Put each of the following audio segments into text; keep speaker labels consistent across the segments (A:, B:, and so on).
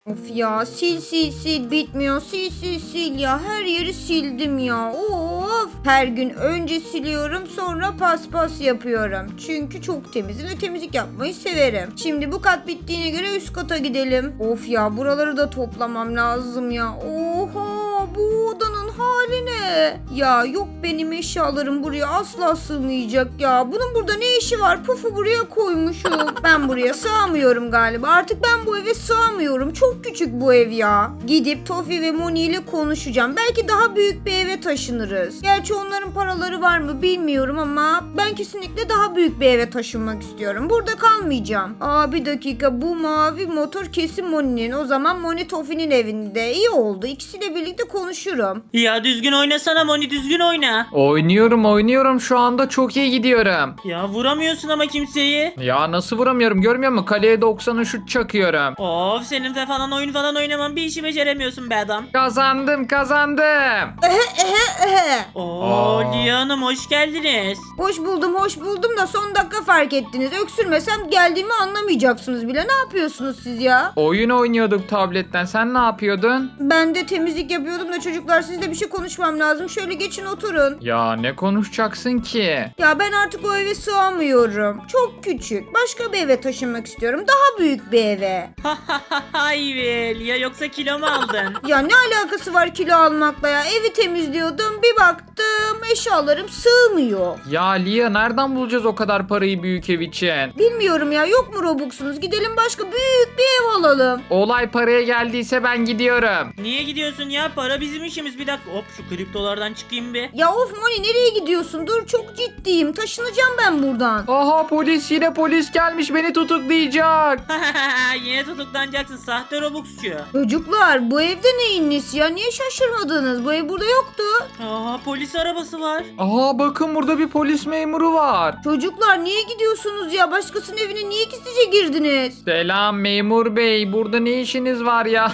A: Of ya, sil sil sil bitmiyor, sil sil sil ya, her yeri sildim ya. Of, her gün önce siliyorum, sonra paspas yapıyorum. Çünkü çok temizim ve temizlik yapmayı severim. Şimdi bu kat bittiğine göre üst kata gidelim. Of ya, buraları da toplamam lazım ya. Oha, bu odanın hali ne? Ya yok, benim eşyalarım buraya asla sığmayacak ya. Bunun burada ne işi var? Pufu buraya koymuşum. Ben buraya sığamıyorum galiba. Artık ben bu eve sığamıyorum. Çok küçük bu ev ya. Gidip Tofi ve Moni ile konuşacağım. Belki daha büyük bir eve taşınırız. Gerçi onların paraları var mı bilmiyorum ama ben kesinlikle daha büyük bir eve taşınmak istiyorum. Burada kalmayacağım. Aa, bir dakika, bu mavi motor kesin Moni'nin. O zaman Moni Tofi'nin evinde. İyi oldu. İkisiyle birlikte konuşurum.
B: Ya düzgün oynasana Moni, düzgün oyna.
C: Oynuyorum şu anda çok iyi gidiyorum.
B: Ya vuramıyorsun ama kimseyi.
C: Ya nasıl vuramıyorum görmüyor musun? Kaleye 90'ı şut çakıyorum.
B: Of, senin de falan oyun falan oynaman, bir işi beceremiyorsun be adam.
C: Kazandım.
B: Oo,
C: Aa.
B: Lia Hanım hoş geldiniz.
A: Hoş buldum da son dakika fark ettiniz. Öksürmesem geldiğimi anlamayacaksınız bile. Ne yapıyorsunuz siz ya?
C: Oyun oynuyorduk tabletten. Sen ne yapıyordun?
A: Ben de temizlik yapıyordum da çocuklar, sizle bir şey konuşmam lazım. Şöyle geçin, oturun.
C: Ya ne konuşacaksın ki?
A: Ya ben artık o eve sığamıyorum. Çok küçük. Başka bir eve taşınmak istiyorum. Daha büyük bir eve.
B: Hay be Lia, yoksa kilo mu aldın?
A: Ya ne alakası var kilo almakla ya? Evi temizliyordum. Bir baktım eşyalarım sığmıyor.
C: Ya Lia nereden bulacağız o kadar parayı büyük ev için?
A: Bilmiyorum ya, yok mu Robux'unuz? Gidelim başka büyük bir ev alalım.
C: Olay paraya geldiyse ben gidiyorum.
B: Niye gidiyorsun ya? Para bizim işimiz. Bir dakika, hop şu kriptolardan çıkayım bir.
A: Ya of Moni, nereye gidiyorsun? Dur, çok ciddiyim. Taşınacağım ben buradan.
C: Aha yine polis gelmiş beni tutuklayacak.
B: Yine tutuklanacaksın sahte Robux'çu.
A: Çocuklar, bu evde neyin nesi ya? Niye şaşırmadınız? Bu ev burada yoktu.
B: Aha, polis arabası var.
C: Aha bakın burada bir polis memuru var.
A: Çocuklar, niye gidiyorsunuz ya? Başkasının evine niye gizlice girdiniz?
C: Selam memur bey burada ne işiniz var ya?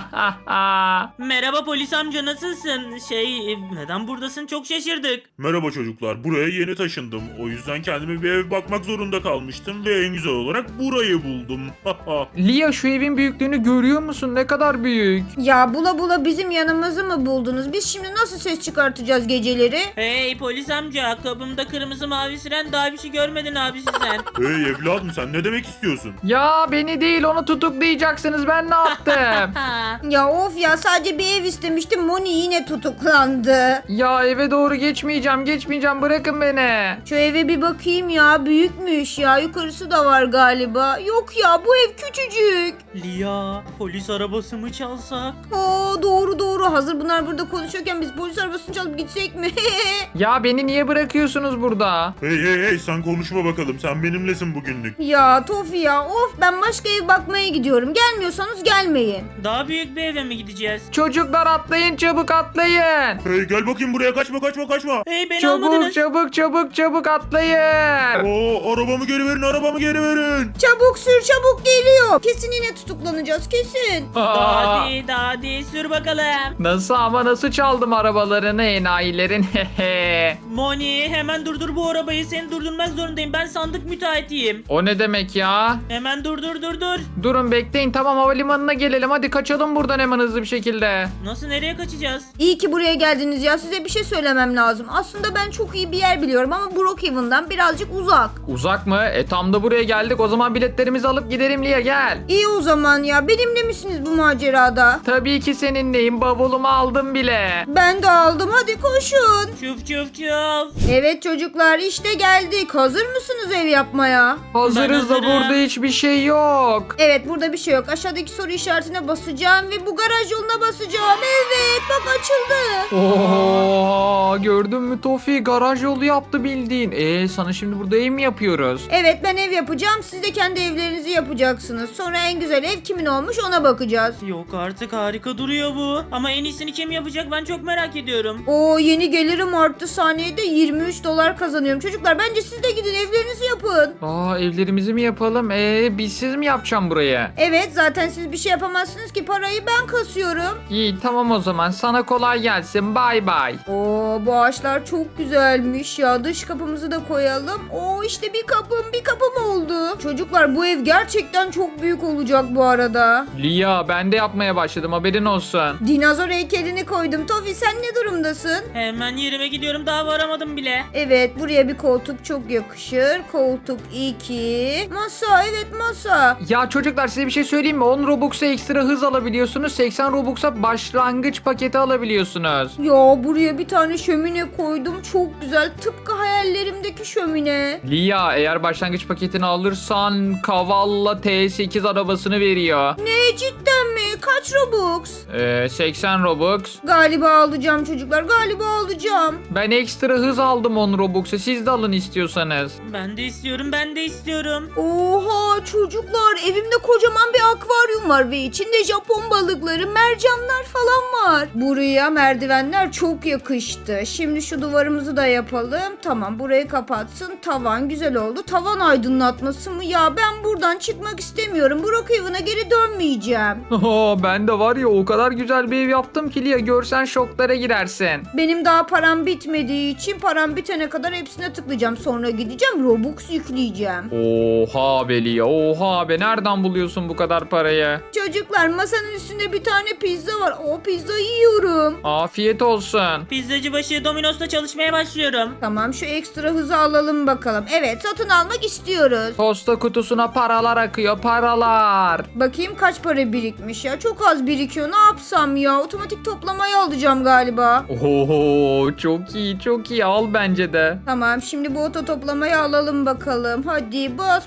B: Merhaba polis amca, nasılsın? Neden buradasın, çok şaşırdık.
D: Merhaba çocuklar, buraya yeni taşındım. O yüzden kendime bir ev bakmak zorunda kalmıştım ve en güzel olarak burayı buldum.
C: Lia şu evin büyüklüğünü görüyor musun? Ne kadar büyük.
A: Ya bula bula bizim yanımızı mı buldunuz? Biz şimdi nasıl ses çıkartacağız geceleri?
B: Hey polis amca, kapımda kırmızı mavi siren, daha bir şey görmedin abisi sen.
D: Hey evladım, sen ne demek istiyorsun?
C: Ya beni değil onu tutuklayacaksınız ben ne yaptım?
A: Ya of ya, sadece bir ev istemiştim. Moni yine tutuklandı.
C: Ya eve doğru geçmeyeceğim bırakın beni.
A: Şu eve bir bakayım ya, büyükmüş ya, yukarısı da var galiba. Yok ya, bu ev küçücük.
B: Lia, polis arabası mı çalsak?
A: Oo, doğru, hazır bunlar burada konuşuyorken biz polis arabasını çalıp gitsek mi?
C: Ya beni niye bırakıyorsunuz burada?
D: Hey sen konuşma bakalım, sen benimlesin bugünlük.
A: Ya Tofi ya, of, ben başka ev bakmaya gidiyorum. Gelmiyorsanız gelmeyin.
B: Daha büyük bir eve mi gideceğiz?
C: Çocuklar atlayın çabuk atlayın.
D: Hey gel bakayım buraya, kaçma.
B: Hey, beni almadınız.
C: Çabuk atlayın.
D: Oo, arabamı geri verin.
A: Çabuk sür, çabuk geliyor. Kesin yine tutuklanacağız, kesin.
B: Daha değil, sür bakalım.
C: Nasıl çaldım arabalarını enayilerin.
B: Moni, hemen durdur bu arabayı, seni durdurmak zorundayım, ben sandık müteahhitiyim.
C: O ne demek ya?
B: Hemen dur.
C: Durun bekleyin tamam havalimanına gelelim hadi kaçalım buradan hemen hızlı bir şekilde.
B: Nasıl, nereye kaçacağız?
A: İyi ki buraya geldiniz ya, size bir şey söylemem lazım. Aslında ben çok iyi bir yer biliyorum ama Brookhaven'dan birazcık uzak.
C: Uzak mı? Tam da buraya geldik o zaman biletlerimizi alıp gidelim Lia gel.
A: İyi o zaman ya, benimle misiniz bu macerada?
C: Tabii ki seninleyim bavulumu aldım bile.
A: Ben de aldım, hadi koşun.
B: Çuf.
A: Evet çocuklar, işte geldik. Hazır mısınız ev yapmaya?
C: Hazırız da
B: hazırım.
C: burada hiçbir şey yok.
A: Evet, burada bir şey yok. Aşağıdaki soru işaretine basacağım ve bu garaj yoluna basacağım. Evet, bak açıldı.
C: Oo, gördün mü Tofi garaj yolu yaptı bildiğin. Sana şimdi burada ev mi yapıyoruz?
A: Evet, ben ev yapacağım. Siz de kendi evlerinizi yapacaksınız. Sonra en güzel ev kimin olmuş ona bakacağız.
B: Yok artık, harika duruyor bu. Ama en iyisini kim yapacak, ben çok merak ediyorum.
A: Oo, yeni gelirim arttı. Saniyede 23 dolar kazanıyorum. Çocuklar, bence siz de gidin evlerinizi yapın.
C: Evlerimizi mi yapalım? Bizsiz mi yapacağım burayı?
A: Evet, zaten siz bir şey yapamazsınız ki, parayı ben kasıyorum.
C: İyi tamam o o zaman. Sana kolay gelsin. Bay bay.
A: Oo, bu ağaçlar çok güzelmiş ya. Dış kapımızı da koyalım. Oo, işte bir kapım oldu. Çocuklar, bu ev gerçekten çok büyük olacak bu arada.
C: Lia, ben de yapmaya başladım, haberin olsun.
A: Dinozor heykelini koydum. Tofi, sen ne durumdasın?
B: Hemen yerime gidiyorum, daha varamadım bile.
A: Evet, buraya bir koltuk çok yakışır. Koltuk 2. Masa, evet masa.
C: Ya çocuklar, size bir şey söyleyeyim mi? 10 Robux'a ekstra hız alabiliyorsunuz. 80 Robux'a başlangıç paketi alabiliyorsunuz.
A: Ya buraya bir tane şömine koydum. Çok güzel. Tıpkı hayallerimdeki şömine.
C: Lia, eğer başlangıç paketini alırsan Cavalla T8 arabasını veriyor.
A: Ne, cidden mi? Kaç Robux?
C: 80 Robux.
A: Galiba alacağım çocuklar. Galiba alacağım.
C: Ben ekstra hız aldım 10 Robux'a. Siz de alın istiyorsanız.
B: Ben de istiyorum.
A: Oha çocuklar, evimde kocaman bir akvaryum var ve içinde Japon balıkları, mercanlar falan var. Buraya merdivenler çok yakıştı. Şimdi şu duvarımızı da yapalım. Tamam, burayı kapatsın. Tavan güzel oldu. Tavan aydınlatması mı? Ya ben buradan çıkmak istemiyorum. Brookhaven'a geri dönmeyeceğim.
C: Ben de var ya, o kadar güzel bir ev yaptım ki Lia, görsen şoklara girersin.
A: Benim daha param bitmediği için param bitene kadar hepsine tıklayacağım. Sonra gideceğim Robux yükleyeceğim.
C: Oha be Lia, oha be, nereden buluyorsun bu kadar parayı?
A: Çocuklar, masanın üstünde bir tane pizza var. O pizzayı yiyorum.
C: Afiyet olsun.
B: Pizzacı başı Domino's'ta çalışmaya başlıyorum.
A: Tamam, şu ekstra hızı alalım bakalım. Evet, satın almak istiyoruz.
C: Posta kutusuna paralar akıyor, paralar.
A: Bakayım kaç para birikmiş ya. Çok az birikiyor. Ne yapsam ya? Otomatik toplamayı alacağım galiba.
C: Oho, çok iyi, çok iyi, al bence de.
A: Tamam, şimdi bu oto toplamayı alalım bakalım. Hadi bas.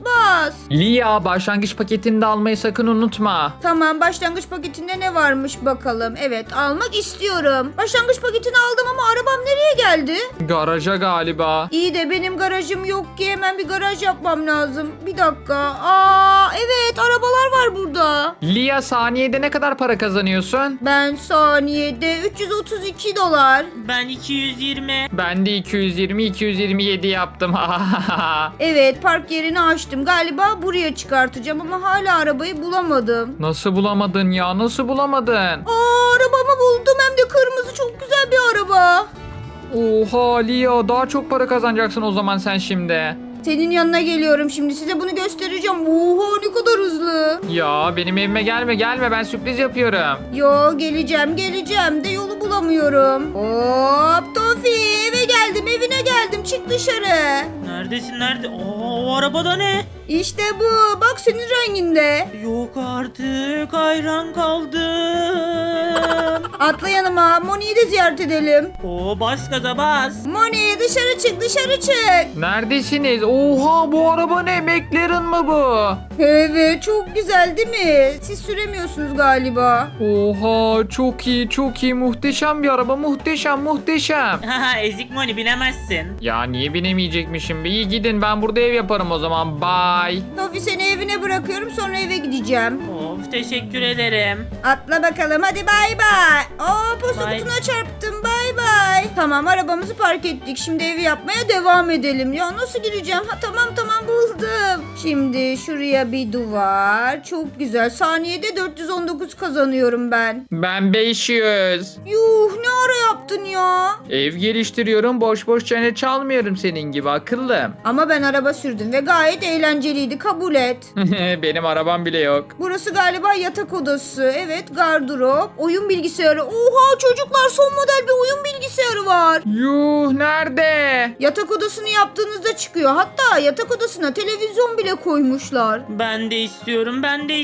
C: Lia, başlangıç paketini de almayı sakın unutma.
A: Tamam, başlangıç paketinde ne varmış bakalım. Evet, almak istiyorum. Başlangıç paketini aldım ama arabam nereye geldi?
C: Garaja galiba.
A: İyi de benim garajım yok ki, hemen bir garaj yapmam lazım. Bir dakika. Evet, arabalar var burada.
C: Lia, saniyede ne kadar para kazanıyorsun?
A: Ben saniyede 332 dolar.
B: Ben 220.
C: Ben de 227 yaptım.
A: Evet, park yerini açtım. Galiba buraya çıkartacağım ama hala arabayı bulamadım.
C: Nasıl bulamadın ya? Nasıl bulamadın?
A: Arabamı buldum, hem de kırmızı, çok güzel bir araba.
C: Oha Lia, daha çok para kazanacaksın o zaman sen şimdi.
A: Senin yanına geliyorum şimdi, size bunu göstereceğim. Oha, ne kadar hızlı.
C: Ya benim evime gelme, ben sürpriz yapıyorum.
A: Yo, geleceğim de yolu bulamıyorum. Hop Tofi, evine geldim, çık dışarı.
B: Neredesin, nerede? O arabada ne?
A: İşte bu, bak senin renginde.
B: Yok artık, hayran kaldım.
A: Atla yanıma, Moni'yi de ziyaret edelim.
B: Bas gaza bas.
A: Moni, dışarı çık.
C: Neredesiniz? Oha, bu araba ne? McLaren mı bu?
A: Evet, çok güzel değil mi? Siz süremiyorsunuz galiba.
C: Oha, çok iyi, muhteşem bir araba, muhteşem.
B: Haha, ezik Moni, binemezsin.
C: Ya niye binemeyecekmişim? İyi, gidin, ben burada ev yaparım o zaman, bye.
A: Tofi, seni evine bırakıyorum, sonra eve gideceğim.
B: Of, teşekkür ederim.
A: Atla bakalım, hadi bay bay. Posta
B: Bay.
A: kutusuna çarptım, bay bay. Tamam, arabamızı park ettik, şimdi evi yapmaya devam edelim. Ya nasıl gireceğim? Tamam buldum. Şimdi şuraya bir duvar, çok güzel. Saniyede 419 kazanıyorum ben.
C: Ben 500.
A: Yuh, ne ara yaptın ya?
C: Ev geliştiriyorum, boş çene çalmıyorum senin gibi akıllım.
A: Ama ben araba sürdüm ve gayet eğlenceliydi, kabul et.
C: Benim arabam bile yok.
A: Burası galiba yatak odası. Evet, gardırop, oyun bilgisayarı. Oha çocuklar, son model bir oyun bilgisayarı var.
C: Yuh, nerede?
A: Yatak odasını yaptığınızda çıkıyor. Hatta yatak odasına televizyon bile koymuşlar.
B: Ben de istiyorum.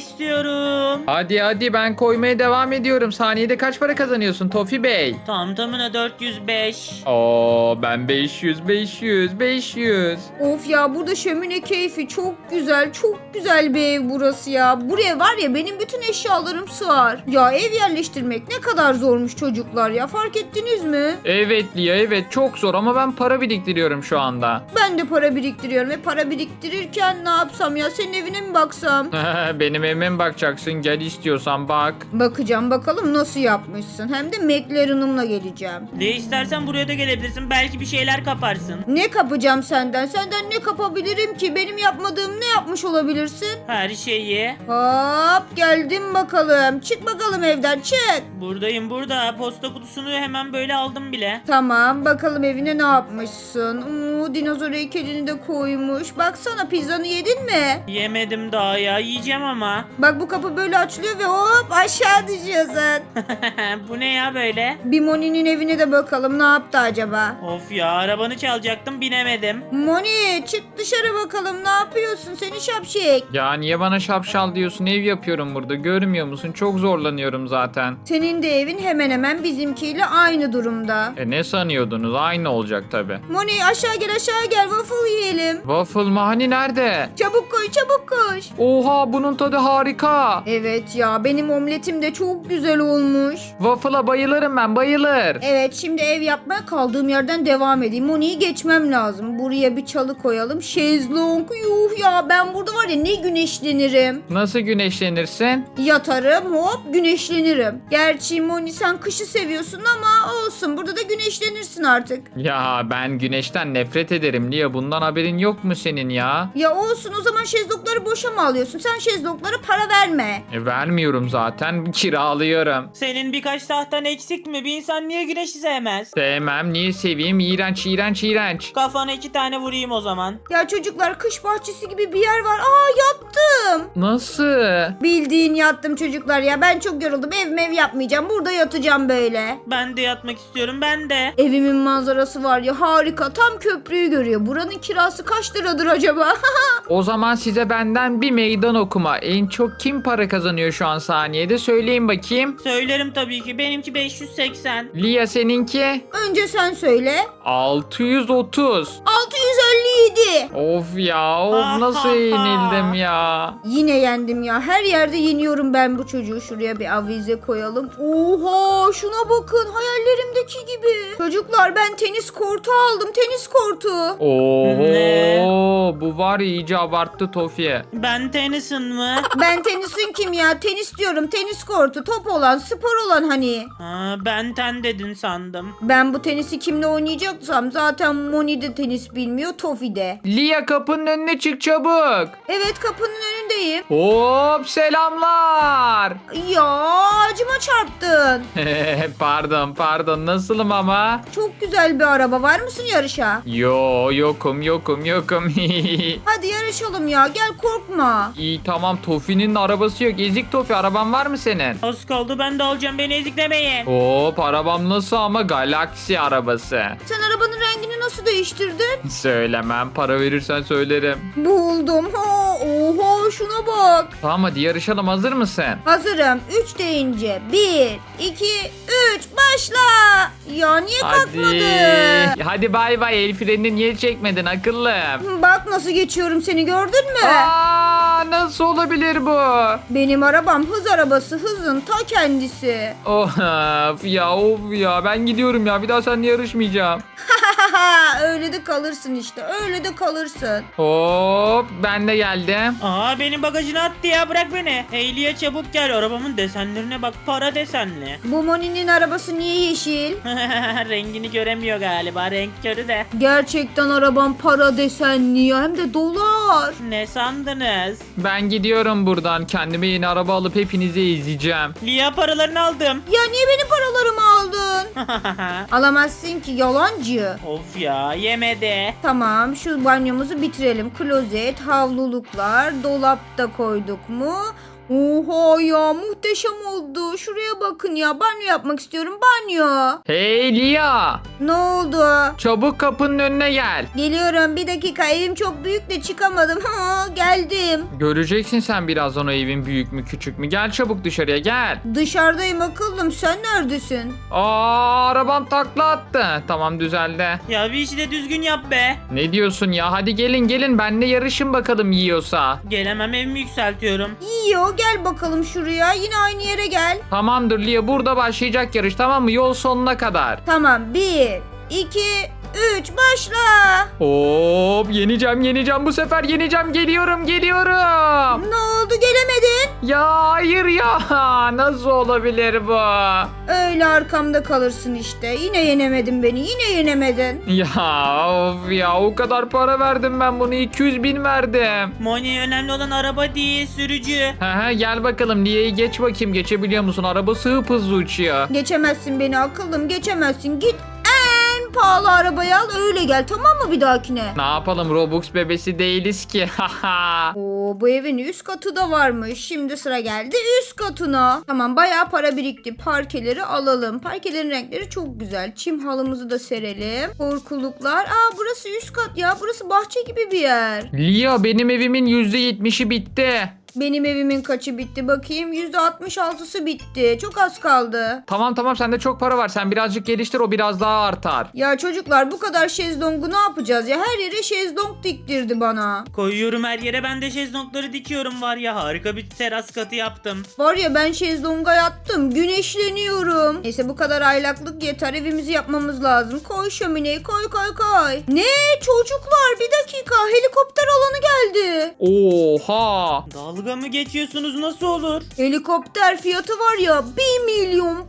C: Hadi ben koymaya devam ediyorum. Saniyede kaç para kazanıyorsun Tofi Bey?
B: Tam tamına 405.
C: Ben 500.
A: Of ya, burada şömine keyfi çok güzel bir ev burası ya. Buraya var ya, benim bütün eşyalarım sığar. Ya ev yerleştirmek ne kadar zormuş çocuklar ya, fark ettiniz mi?
C: Evet Lia, evet, çok zor ama ben para biriktiriyorum şu anda.
A: Ben de para biriktiriyorum ve para biriktirirken ne yapsam ya, senin evine evine mi baksam?
C: Benim evime mi bakacaksın? Gel istiyorsan bak.
A: Bakacağım bakalım nasıl yapmışsın. Hem de McLaren'ımla geleceğim.
B: Ne istersen buraya da gelebilirsin. Belki bir şeyler kaparsın.
A: Ne kapacağım senden? Senden ne kapabilirim ki? Benim yapmadığım ne yapmış olabilirsin?
B: Her şeyi.
A: Hop geldim bakalım. Çık bakalım evden çık.
B: Buradayım burada. Posta kutusunu hemen böyle aldım bile.
A: Tamam bakalım evine ne yapmışsın? Dinozor heykelini de koymuş. Baksana pizzanı yedin mi?
B: Yemedim daha ya. Yiyeceğim ama.
A: Bak bu kapı böyle açılıyor ve hop aşağı düşüyorsun.
B: Bu ne ya böyle?
A: Bir Moni'nin evine de bakalım ne yaptı acaba?
B: Of ya, arabanı çalacaktım, binemedim.
A: Moni çık dışarı bakalım ne yapıyorsun seni şapşik.
C: Ya niye bana şapşal diyorsun? Ev yapıyorum burada. Görmüyor musun? Çok zorlanıyorum zaten.
A: Senin de evin hemen hemen bizimkiyle aynı durumda.
C: Ne sanıyordunuz? Aynı olacak tabi.
A: Moni aşağı gel waffle yiyelim.
C: Waffle mı? Hani nerede?
A: Çabuk koş çabuk koş.
C: Oha, bunun tadı harika.
A: Evet ya benim omletim de çok güzel olmuş.
C: Waffle'a bayılırım ben, bayılır.
A: Evet şimdi ev yapmaya kaldığım yerden devam edeyim. Moni'yi geçmem lazım. Buraya bir çalı koyalım. Şezlong yuh ya ben burada var ya ne güneşlenirim.
C: Nasıl güneşlenirsin?
A: Yatarım hop güneşlenirim. Gerçi Moni sen kışı seviyorsun ama olsun burada da güneşlenirsin artık.
C: Ya ben güneşten nefret ederim. Lia, bundan haberin yok mu senin ya?
A: Ya olsun o zaman şezlongları boşa mı alıyorsun? Sen şezlonglara para verme.
C: Vermiyorum zaten. Kiralıyorum.
B: Senin birkaç tahtan eksik mi? Bir insan niye güneşi sevmez?
C: Sevmem. Niye seveyim? İğrenç, iğrenç, iğrenç.
B: Kafana 2 tane vurayım o zaman.
A: Ya çocuklar kış bahçesi gibi bir yer var. Aa yattım.
C: Nasıl?
A: Bildiğin yattım çocuklar ya. Ben çok yoruldum. Ev yapmayacağım. Burada yatacağım böyle.
B: Ben de yatmak istiyorum, ben de.
A: Evimin manzarası var ya harika. Tam köprüyü görüyor. Buranın kirası kaç liradır acaba?
C: O zaman size benden bir meydan okuma. En çok kim para kazanıyor şu an saniyede? Söyleyin bakayım.
B: Söylerim tabii ki. Benimki 580.
C: Lia, seninki?
A: Önce sen söyle.
C: 630.
A: 657.
C: Of ya, of nasıl yenildim ya.
A: Yine yendim ya. Her yerde yeniyorum ben bu çocuğu. Şuraya bir avize koyalım. Oha şuna bakın. Hayallerimdeki gibi. Çocuklar ben tenis kortu aldım. Tenis kortu.
B: Ne?
C: Oo, bu var ya iyice abarttı Tofi'ye.
B: Ben Tennyson mı?
A: Ben tenisin kim ya? Tenis diyorum. Tenis kortu. Top olan, spor olan hani.
B: Ha, ben ten dedin sandım.
A: Ben bu tenisi kimle oynayacaksam zaten Moni de tenis bilmiyor. Tofi de.
C: Lia, kapının önüne çık çabuk.
A: Evet kapının önündeyim.
C: Hop, selamlar.
A: Ya ağacıma çarptın.
C: Pardon, nasılım ama?
A: Çok güzel bir araba. Var mısın yarışa?
C: Yokum.
A: Hadi yarışalım ya. Gel korkma.
C: İyi tamam, Tofi'nin arabası yok. Ezik Tofi, araban var mı senin?
B: Az kaldı, ben de alacağım, beni eziklemeyin.
C: Hop, arabam nasıl ama? Galaksi arabası.
A: Sen arabanın rengini nasıl değiştirdin?
C: Söylemem, para verirsen söylerim.
A: Buldum. Oha şuna bak.
C: Tamam, hadi yarışalım, hazır mısın?
A: Hazırım. 3 deyince 1, 2, 3 başla. Ya niye kalkmadı?
C: Hadi bay bay, el frenini niye çekmedin akıllım?
A: Bak nasıl geçiyorum seni gördün mü?
C: Nasıl olabilir bu?
A: Benim arabam hız arabası. Hızın ta kendisi.
C: Of ya, ben gidiyorum ya, bir daha seninle yarışmayacağım.
A: Öyle de kalırsın işte. Öyle de kalırsın.
C: Hop, ben de geldim.
B: Aa, benim bagajını attı ya, bırak beni. Heyliye çabuk gel, arabamın desenlerine bak, para desenli.
A: Bu Moni'nin arabası niye yeşil?
B: Rengini göremiyor galiba, renk körü de.
A: Gerçekten arabam para desenli ya. Hem de dolar.
B: Ne sandınız?
C: Ben gidiyorum buradan, kendime yeni araba alıp hepinizi ezeceğim.
B: Lia, paralarını aldım.
A: Ya niye benim paralarımı aldın? Alamazsın ki yalancı.
B: Of ya, yemedi.
A: Tamam şu banyomuzu bitirelim. Klozet, havluluklar, dolapta koyduk mu? Oha ya muhteşem oldu. Şuraya bakın ya banyo yapmak istiyorum banyo.
C: Hey Lia,
A: Ne oldu?
C: çabuk kapının önüne gel.
A: Geliyorum bir dakika evim çok büyük de çıkamadım. Geldim.
C: Göreceksin sen birazdan o evin büyük mü küçük mü. Gel çabuk dışarıya, gel.
A: Dışarıdayım akıllım sen neredesin?
C: Arabam takla attı. Tamam, düzeldi.
B: Ya bir işi de düzgün yap be.
C: Ne diyorsun ya? Hadi gelin benle yarışın bakalım yiyorsa.
B: Gelemem, evimi yükseltiyorum.
A: İyi gel bakalım şuraya yine aynı yere gel.
C: Tamamdır Lia, burada başlayacak yarış, tamam mı? Yol sonuna kadar.
A: Tamam 1, 2, 3 başla.
C: Hop yeneceğim bu sefer yeneceğim geliyorum.
A: Ne oldu gelemedin?
C: Ya hayır ya nasıl olabilir bu?
A: Öyle arkamda kalırsın işte. Yine yenemedin beni, yine yenemedin.
C: Ya of ya o kadar para verdim ben bunu 200.000 verdim.
B: Moni önemli olan araba değil sürücü.
C: Gel bakalım Lia'yı geç bakayım geçebiliyor musun? Arabası hızlı uçuyor.
A: Geçemezsin beni akıllım, geçemezsin. Git en pahalı arabayı al öyle gel, tamam mı bir dahakine?
C: Ne yapalım Robux bebesi değiliz ki.
A: Oo, bu evin üst katı da varmış. Şimdi sıra geldi üst katına. Tamam bayağı para birikti. Parkeleri alalım. Parkelerin renkleri çok güzel. Çim halımızı da serelim. Korkuluklar. Aa burası üst kat ya. Burası bahçe gibi bir yer.
C: Lia benim evimin %70'i bitti.
A: Benim evimin kaçı bitti bakayım. %66'sı bitti. Çok az kaldı.
C: Tamam sende çok para var. Sen birazcık geliştir o biraz daha artar.
A: Ya çocuklar bu kadar şezlongu ne yapacağız ya? Her yere şezlong diktirdi bana.
B: Koyuyorum her yere, ben de şezlongları dikiyorum var ya, harika bir teras katı yaptım.
A: Var ya ben şezlonga yattım. Güneşleniyorum. Neyse bu kadar aylaklık yeter. Evimizi yapmamız lazım. Koy şömineyi koy. Ne? Çocuklar bir dakika. Helikopter alanı geldi.
C: Oha.
B: Dalga mı geçiyorsunuz, nasıl olur?
A: Helikopter fiyatı var ya 1 milyon.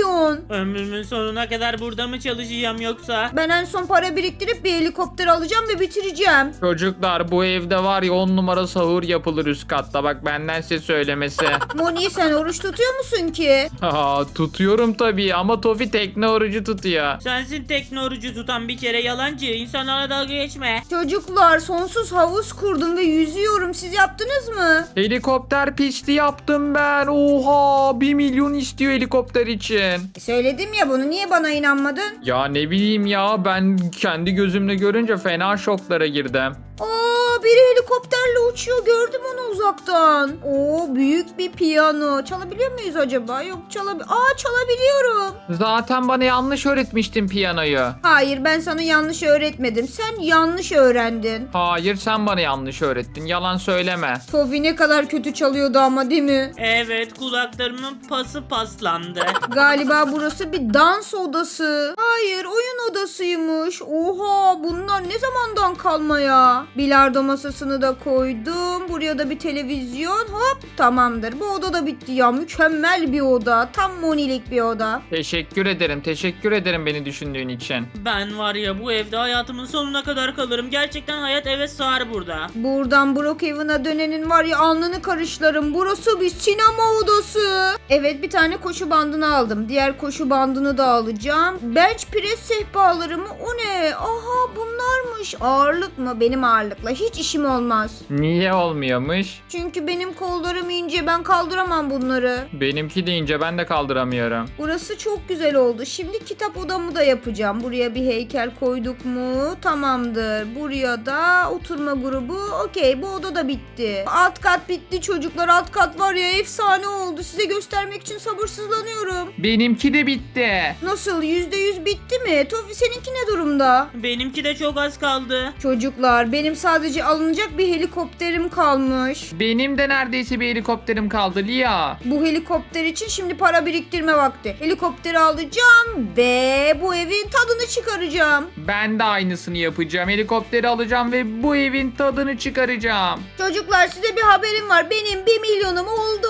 B: Ömrümün sonuna kadar burada mı çalışacağım yoksa?
A: Ben en son para biriktirip bir helikopter alacağım ve bitireceğim.
C: Çocuklar bu evde var ya 10 numara sahur yapılır üst katta. Bak benden size söylemesi.
A: Moni sen oruç tutuyor musun ki?
C: Tutuyorum tabii ama Tofi tekne orucu tutuyor.
B: Sensin tekne orucu tutan bir kere yalancı. İnsanlarla dalga geçme.
A: Çocuklar sonsuz havuz kurdum ve yüzüyorum. Siz yaptınız mı?
C: Helikopter pisti yaptım ben. Oha 1 milyon istiyor helikopter için.
A: Söyledim ya bunu, niye bana inanmadın?
C: Ya ne bileyim ya ben kendi gözümle görünce fena şoklara girdim.
A: Aa, biri helikopterle uçuyor, gördüm onu uzaktan. Oo, büyük bir piyano. Çalabiliyor muyuz acaba? Yok çalabiliyorum.
C: Zaten bana yanlış öğretmiştin piyanoyu.
A: Hayır ben sana yanlış öğretmedim. Sen yanlış öğrendin.
C: Hayır sen bana yanlış öğrettin. Yalan söyleme.
A: Tofi ne kadar kötü çalıyordu ama değil mi?
B: Evet, kulaklarımın pası paslandı.
A: Galiba burası bir dans odası. Hayır oyun odasıymış. Oha bunlar ne zamandan kalma ya? Bilardo masasını da koydum. Buraya da bir televizyon. Hop tamamdır. Bu oda da bitti ya. Mükemmel bir oda. Tam Moni'lik bir oda.
C: Teşekkür ederim beni düşündüğün için.
B: Ben var ya bu evde hayatımın sonuna kadar kalırım. Gerçekten hayat eve sığar burada.
A: Buradan Brookhaven'a dönenin var ya alnını karışlarım. Burası bir sinema odası. Evet bir tane koşu bandını aldım. Diğer koşu bandını da alacağım. Bench press sehpaları mı? O ne? Aha bunlarmış. Ağırlık mı? Benim ağırlıkla hiç işim olmaz.
C: Niye olmuyormuş?
A: Çünkü benim kollarım ince. Ben kaldıramam bunları.
C: Benimki deyince ben de kaldıramıyorum.
A: Burası çok güzel oldu. Şimdi kitap odamı da yapacağım. Buraya bir heykel koyduk mu? Tamamdır. Buraya da oturma grubu. Okey bu oda da bitti. Alt kat bitti çocuklar. Alt kat var ya efsane oldu. Size göstermek için sabırsızlanıyorum.
C: Benimki de bitti.
A: Nasıl? %100 bitti mi? Tofi seninki ne durumda?
B: Benimki de çok az kaldı.
A: Çocuklar benim sadece alınacak bir helikopterim kalmış.
C: Benim de neredeyse bir helikopterim kaldı Lia.
A: Bu helikopter için şimdi para biriktirme vakti. Helikopteri alacağım ve bu evin tadını çıkaracağım.
C: Ben de aynısını yapacağım. Helikopteri alacağım ve bu evin tadını çıkaracağım.
A: Çocuklar size bir haberim var. Benim 1 milyonum oldu.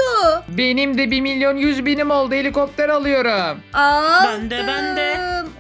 C: Benim de 1.100.000 oldu. Helikopter alıyorum.
A: Aldım.
B: Ben de.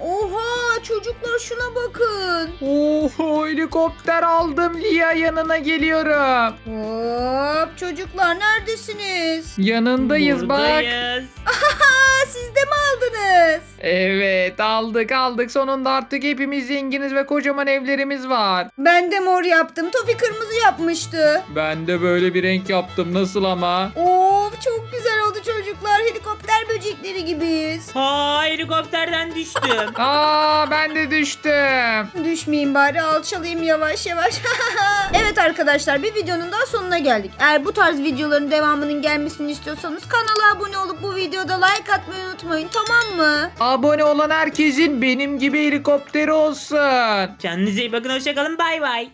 A: Oha çocuklar şuna bakın.
C: Oho helikopter aldım Lia yanına geliyorum.
A: Hop çocuklar neredesiniz?
C: Yanındayız bak.
B: Buradayız.
A: Aa siz de mi aldınız?
C: Evet aldık sonunda artık hepimiz zenginiz ve kocaman evlerimiz var.
A: Ben de mor yaptım. Tofi kırmızı yapmıştı.
C: Ben de böyle bir renk yaptım nasıl ama?
A: Of çok güzel oldu çocuklar. Helikopter böcekleri gibiyiz.
B: Ha, helikopterden düştüm.
C: Ben de düştüm.
A: Düşmeyeyim bari alçalayayım yavaş. Evet arkadaşlar bir videonun daha sonuna geldik. Eğer bu tarz videoların devamının gelmesini istiyorsanız kanala abone olup bu videoda like atmayı unutmayın, tamam mı?
C: Abone olan herkesin benim gibi helikopteri olsun.
B: Kendinize iyi bakın, hoşçakalın, bay bay.